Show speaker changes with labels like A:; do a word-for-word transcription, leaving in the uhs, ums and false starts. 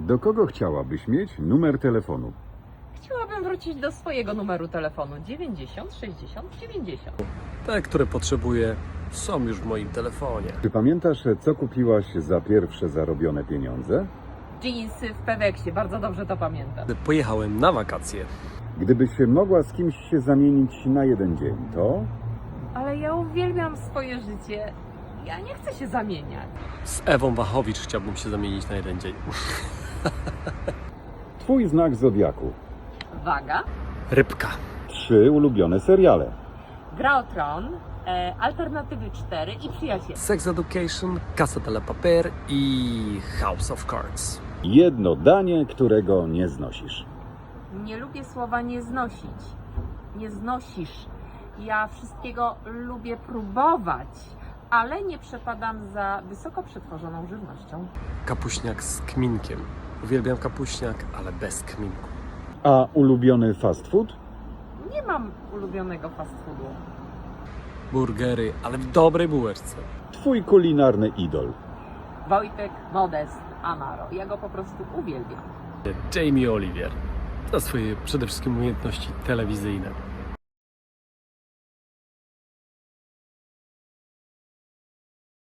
A: Do kogo chciałabyś mieć numer telefonu?
B: Chciałabym wrócić do swojego numeru telefonu dziewięćdziesiąt sześćdziesiąt dziewięćdziesiąt.
C: Te, które potrzebuję, są już w moim telefonie.
A: Czy pamiętasz, co kupiłaś za pierwsze zarobione pieniądze?
B: Jeansy w Peweksie, bardzo dobrze to pamiętam.
C: Gdy pojechałem na wakacje,
A: Gdybyś mogła z kimś się zamienić na jeden dzień, to?
B: Ale ja uwielbiam swoje życie. Ja nie chcę się zamieniać.
C: z Ewą Wachowicz chciałbym się zamienić na jeden dzień.
A: Twój znak zodiaku.
B: Waga,
C: Rybka.
A: Trzy ulubione seriale.
B: Gra o Tron, e, Alternatywy cztery i Przyjaciele.
C: Sex Education, Casa de la Paper i House of Cards.
A: Jedno danie, którego nie znosisz.
B: Nie lubię słowa nie znosić. Nie znosisz. Ja wszystkiego lubię próbować, ale nie przepadam za wysoko przetworzoną żywnością.
C: Kapuśniak z kminkiem. Uwielbiam kapuśniak, ale bez kminku.
A: A ulubiony fast food?
B: Nie mam ulubionego fast foodu.
C: Burgery, ale w dobrej bułeczce.
A: Twój kulinarny idol.
B: Wojtek Modest Amaro. Ja go po prostu uwielbiam.
C: Jamie Oliver. Za swoje przede wszystkim umiejętności telewizyjne.